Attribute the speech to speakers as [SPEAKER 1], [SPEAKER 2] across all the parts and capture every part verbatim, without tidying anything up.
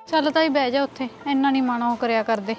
[SPEAKER 1] ਚੱਲ ਤਾਈ ਬਹਿ ਜਾ ਉੱਥੇ, ਇੰਨਾ ਨਹੀਂ ਮਾਣਾ ਉਹ ਕਰਿਆ ਕਰਦੇ।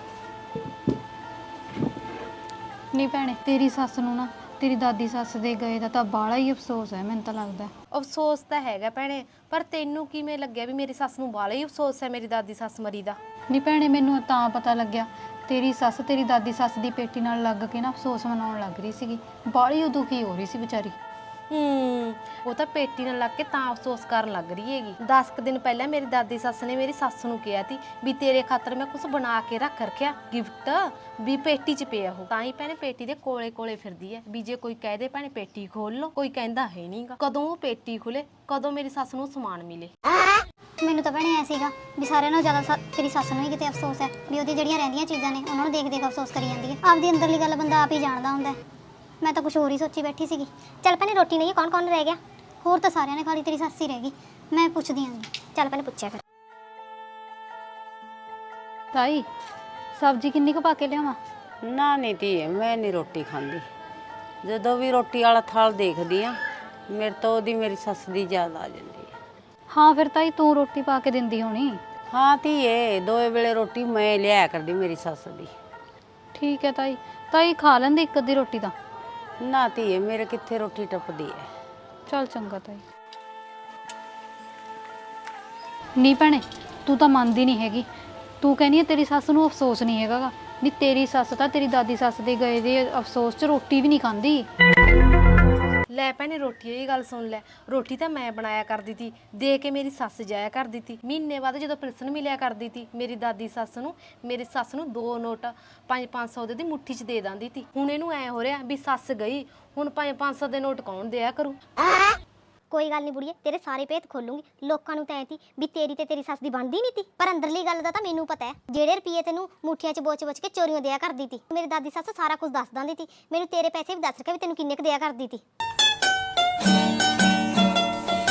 [SPEAKER 1] ਨਹੀਂ ਭੈਣੇ, ਤੇਰੀ ਸੱਸ ਨੂੰ ਨਾ ਤੇਰੀ ਦਾਦੀ ਸੱਸ ਦੇ ਗਏ ਦਾ ਤਾਂ ਬਾਹਲਾ ਹੀ ਅਫਸੋਸ ਹੈ। ਮੈਨੂੰ ਤਾਂ ਲੱਗਦਾ
[SPEAKER 2] ਅਫਸੋਸ ਤਾਂ ਹੈਗਾ ਭੈਣੇ, ਪਰ ਤੈਨੂੰ ਕਿਵੇਂ ਲੱਗਿਆ ਵੀ ਮੇਰੀ ਸੱਸ ਨੂੰ ਬਾਹਲਾ ਹੀ ਅਫਸੋਸ ਹੈ ਮੇਰੀ ਦਾਦੀ ਸੱਸ ਮਰੀ ਦਾ?
[SPEAKER 1] ਨਹੀਂ ਭੈਣੇ, ਮੈਨੂੰ ਤਾਂ ਪਤਾ ਲੱਗਿਆ ਤੇਰੀ ਸੱਸ ਤੇਰੀ ਦਾਦੀ ਸੱਸ ਦੀ ਪੇਟੀ ਨਾਲ ਲੱਗ ਕੇ ਨਾ ਅਫਸੋਸ ਮਨਾਉਣ ਲੱਗ ਰਹੀ ਸੀਗੀ। ਬਾਹਲੀ ਉਹ ਦੁਖੀ ਹੋ ਰਹੀ ਸੀ ਵਿਚਾਰੀ।
[SPEAKER 2] ਹੂੰ, ਉਹ ਤਾਂ ਪੇਟੀ ਨਾਲ ਲੱਗ ਕੇ ਤਾਂ ਅਫਸੋਸ ਕਰਨ ਲੱਗ ਰਹੀ ਹੈਗੀ। ਦਸ ਕੁ ਦਿਨ ਪਹਿਲਾਂ ਮੇਰੀ ਦਾਦੀ ਸੱਸ ਨੇ ਮੇਰੀ ਸੱਸ ਨੂੰ ਕਿਹਾ ਤੀ ਵੀ ਤੇਰੇ ਖਾਤਰ ਮੈਂ ਕੁਝ ਬਣਾ ਕੇ ਰੱਖ ਰੱਖਿਆ ਗਿਫਟ, ਵੀ ਪੇਟੀ 'ਚ ਪਿਆ ਉਹ। ਤਾਂ ਹੀ ਭੈਣੇ ਪੇਟੀ ਦੇ ਕੋਲੇ ਕੋਲੇ ਫਿਰਦੀ ਹੈ ਵੀ ਜੇ ਕੋਈ ਕਹਿ ਦੇ ਭੈਣੇ ਪੇਟੀ ਖੋਲ ਲਓ, ਕੋਈ ਕਹਿੰਦਾ ਹੈ ਨਹੀਂਗਾ। ਕਦੋਂ ਉਹ ਪੇਟੀ ਖੁੱਲੇ, ਕਦੋਂ ਮੇਰੀ ਸੱਸ ਨੂੰ ਸਮਾਨ ਮਿਲੇ।
[SPEAKER 3] ਮੈਨੂੰ ਤਾਂ ਭੈਣੇ ਐ ਸੀਗਾ ਵੀ ਸਾਰਿਆਂ ਨਾਲੋਂ ਜ਼ਿਆਦਾ ਤੇਰੀ ਸੱਸ ਨੂੰ ਹੀ ਕਿਤੇ ਅਫਸੋਸ ਹੈ ਵੀ ਉਹਦੀ ਜਿਹੜੀਆਂ ਰਹਿੰਦੀਆਂ ਚੀਜ਼ਾਂ ਨੇ ਉਹਨਾਂ ਨੂੰ ਦੇਖ ਦੇਖ ਅਫਸੋਸ ਕਰੀ ਜਾਂਦੀ ਹੈ। ਆਪਦੀ ਅੰਦਰਲੀ ਗੱਲ ਬੰਦਾ ਆਪ ਹੀ ਜਾਣਦਾ ਹੁੰਦਾ। ਮੈਂ ਤਾਂ ਕੁਝ ਹੋਰ ਹੀ ਸੋਚੀ ਬੈਠੀ ਸੀਗੀ। ਚੱਲ ਭੈਣੇ ਰੋਟੀ ਨਹੀਂ ਕੌਣ ਕੌਣ ਰਹਿ ਗਿਆ? ਹੋਰ ਤਾਂ ਸਾਰਿਆਂ ਨੇ ਖਾ ਲਈ, ਤੇਰੀ ਸੱਸ ਹੀ ਰਹਿ ਗਈ। ਮੈਂ ਪੁੱਛਦੀ ਆਂ। ਚੱਲ ਭੈਣੇ ਪੁੱਛਿਆ ਫਿਰ।
[SPEAKER 1] ਤਾਈ ਸਬਜ਼ੀ ਕਿੰਨੀ ਕੁ ਪਾ ਕੇ ਲਿਆਵਾਂ?
[SPEAKER 4] ਨਾ ਨਹੀਂ ਧੀਏ, ਮੈਂ ਨਹੀਂ ਰੋਟੀ ਖਾਂਦੀ। ਜਦੋਂ ਵੀ ਰੋਟੀ ਵਾਲਾ ਥਾਲ ਦੇਖਦੀ ਆ ਮੇਰੇ ਤੋਂ ਉਹਦੀ ਮੇਰੀ ਸੱਸ ਦੀ ਯਾਦ ਆ ਜਾਂਦੀ ਹੈ।
[SPEAKER 1] ਹਾਂ ਫਿਰ ਤਾਈ ਤੂੰ ਰੋਟੀ ਪਾ ਕੇ ਦਿੰਦੀ ਹੋਣੀ।
[SPEAKER 4] ਹਾਂ ਧੀਏ, ਦੋਏ ਵੇਲੇ ਰੋਟੀ ਮੈਂ ਲਿਆਇਆ ਕਰਦੀ ਮੇਰੀ ਸੱਸ ਦੀ।
[SPEAKER 1] ਠੀਕ ਹੈ ਤਾਈ। ਤਾਈ ਖਾ ਲੈਂਦੀ ਇੱਕ ਅੱਧੀ ਰੋਟੀ ਤਾਂ।
[SPEAKER 4] ਨਾ ਧੀਏ, ਮੇਰੇ ਕਿੱਥੇ ਰੋਟੀ ਟੱਪਦੀ ਹੈ।
[SPEAKER 1] ਚੱਲ ਚੰਗਾ ਤਾਈ। ਨਹੀਂ ਭੈਣੇ, ਤੂੰ ਤਾਂ ਮੰਨਦੀ ਨਹੀਂ ਹੈਗੀ। ਤੂੰ ਕਹਿੰਦੀ ਹੈ ਤੇਰੀ ਸੱਸ ਨੂੰ ਅਫਸੋਸ ਨਹੀਂ ਹੈਗਾ। ਨਹੀਂ, ਤੇਰੀ ਸੱਸ ਤਾਂ ਤੇਰੀ ਦਾਦੀ ਸੱਸ ਦੇ ਗਏ ਦੇ ਅਫਸੋਸ 'ਚ ਰੋਟੀ ਵੀ ਨਹੀਂ ਖਾਂਦੀ।
[SPEAKER 2] ਲੈ ਭੈਣੇ ਰੋਟੀ ਇਹ ਗੱਲ ਸੁਣ ਲੈ, ਰੋਟੀ ਤਾਂ ਮੈਂ ਬਣਾਇਆ ਕਰਦੀ ਤੀ, ਦੇ ਕੇ ਮੇਰੀ ਸੱਸ ਜਾਇਆ ਕਰਦੀ ਤੀ। ਮਹੀਨੇ ਬਾਅਦ ਜਦੋਂ ਪਿਲਸਣ ਮਿਲਿਆ ਕਰਦੀ ਤੀ ਮੇਰੀ ਦਾਦੀ ਸੱਸ ਨੂੰ, ਮੇਰੀ ਸੱਸ ਨੂੰ ਦੋ ਨੋਟ ਪੰਜ ਪੰਜ ਸੌ ਦੇ ਦੀ ਮੁੱਠੀ 'ਚ ਦੇ ਦਿੰਦੀ ਤੀ। ਹੁਣ ਇਹਨੂੰ ਐ ਹੋ ਰਿਹਾ ਵੀ ਸੱਸ ਗਈ, ਹੁਣ ਪੰਜ ਪੰਜ ਸੌ ਦੇ ਨੋਟ ਕੌਣ ਦਿਆ ਕਰੂ?
[SPEAKER 3] ਕੋਈ ਗੱਲ ਨਹੀਂ ਬੁੜੀਏ, ਤੇਰੇ ਸਾਰੇ ਭੇਤ ਖੋਲੂੰਗੀ। ਲੋਕਾਂ ਨੂੰ ਤਾਂ ਐ ਤੀ ਵੀ ਤੇਰੀ ਤੇ ਤੇਰੀ ਸੱਸ ਦੀ ਬਣਦੀ ਨਹੀਂ ਤੀ, ਪਰ ਅੰਦਰਲੀ ਗੱਲ ਦਾ ਤਾਂ ਮੈਨੂੰ ਪਤਾ ਹੈ। ਜਿਹੜੇ ਰੁਪਈਏ ਤੈਨੂੰ ਮੁੱਠੀਆਂ 'ਚ ਬੋਚ ਬੋਚ ਕੇ ਚੋਰੀਆਂ ਦਿਆ ਕਰਦੀ ਤੀ, ਮੇਰੀ ਦਾਦੀ ਸੱਸ ਸਾਰਾ ਕੁਝ ਦੱਸ ਦਿੰਦੀ ਤੀ। ਮੈਨੂੰ ਤੇਰੇ ਪੈਸੇ ਵੀ ਦੱਸ ਰਕੇ ਵੀ ਤੈਨੂੰ ਕਿੰਨੇ ਕੁ ਦਿਆ ਕਰਦੀ ਤੀ।